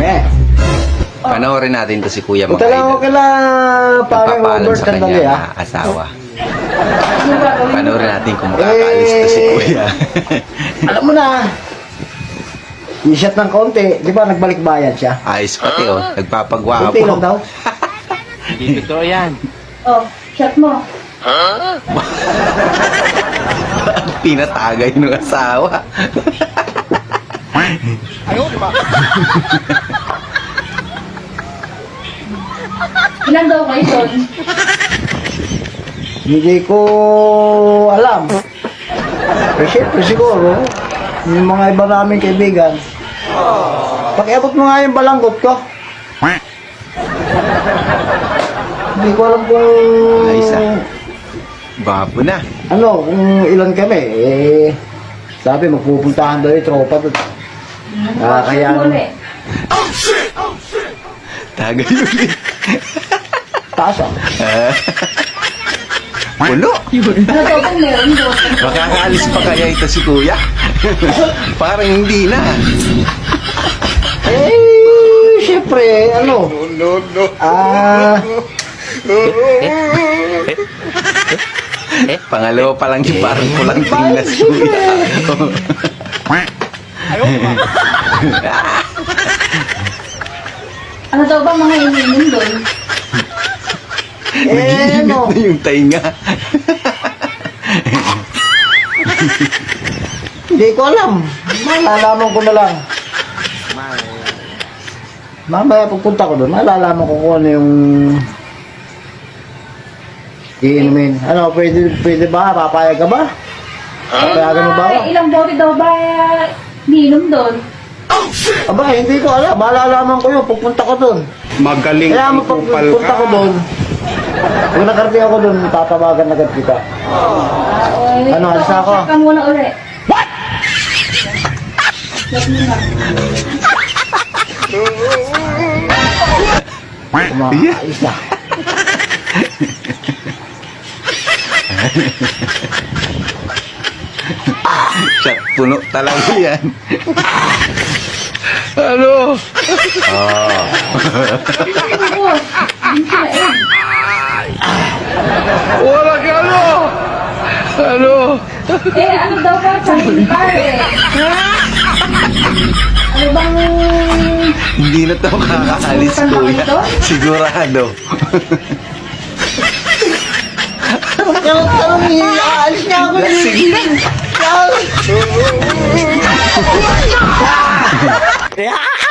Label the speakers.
Speaker 1: Eh.
Speaker 2: Panoorin natin to si Kuya mga
Speaker 1: Punta lang ako
Speaker 2: idol.
Speaker 1: kala parang
Speaker 2: Nagpapaalam
Speaker 1: over
Speaker 2: sa
Speaker 1: sandali
Speaker 2: kanya
Speaker 1: ah.
Speaker 2: na asawa. Panoorin natin kung makakaalis to si Kuya.
Speaker 1: Alam mo na. I-shot ng konti. Di ba nagbalik bayad siya?
Speaker 2: Ayos pati oh, nagpapagwapo.
Speaker 1: Konti lang daw.
Speaker 3: Hindi totoo yan.
Speaker 4: Oh, shot mo.
Speaker 2: Pinatagay ng asawa.
Speaker 4: Ilan daw kayo doon?
Speaker 1: Hindi ko alam. Pero syempre siguro, yung mga iba naming kaibigan, pakiabot mo nga yung balanggot ko. Hindi ko alam kung
Speaker 2: Ayos ah. Gwapo na.
Speaker 1: ano, kung ilan kami. Eh, sabi magpupuntahan daw yung tropa doon. Kaya
Speaker 4: Muli.
Speaker 2: Tagay ulit.
Speaker 1: taas ah.
Speaker 2: Puno.
Speaker 4: Ano daw kung meron doon?
Speaker 2: Makakaalis pa kaya ito si Kuya? Parang hindi na.
Speaker 1: Eh, syempre, ano.
Speaker 2: Pangalawa pa lang yung parang pulang tingnas Kuya.
Speaker 4: Ano daw ba mga ininom doon?
Speaker 2: Nag-iinit
Speaker 1: ano.
Speaker 2: na yung tainga.
Speaker 1: Hindi ko alam. Malalaman ko na lang. Mamaya pagpunta ko doon, malalaman ko kung ano yung iinumin. Ano, pwede ba? Papayag ka ba? Papayagan mo ba ako?
Speaker 4: Ilang bote daw ba ininom doon?
Speaker 1: Aba, hindi ko alam. Malalaman ko yun. Pagpunta ko doon.
Speaker 3: Magaling
Speaker 1: Kaya
Speaker 3: ang kupal
Speaker 1: pagpunta ko
Speaker 3: ka.
Speaker 1: doon, kung nakarating ako doon, tatawagan agad kita. Ano, alis na ako?
Speaker 4: Shot ka muna ulit. What? Shot mo na.
Speaker 1: Umaayos na.
Speaker 2: Shot puno talaga yan. Ano? Oh.
Speaker 4: Ako, hindi sila eh.
Speaker 2: Wala ka ano? Ano?
Speaker 4: Eh, ano daw ba? Sabi eh. Ano bang...
Speaker 2: Hindi na to makakaalis Kuya. Sigurado.
Speaker 1: Tanong niya, aalis niya ako.
Speaker 2: Sige.
Speaker 1: Yeah.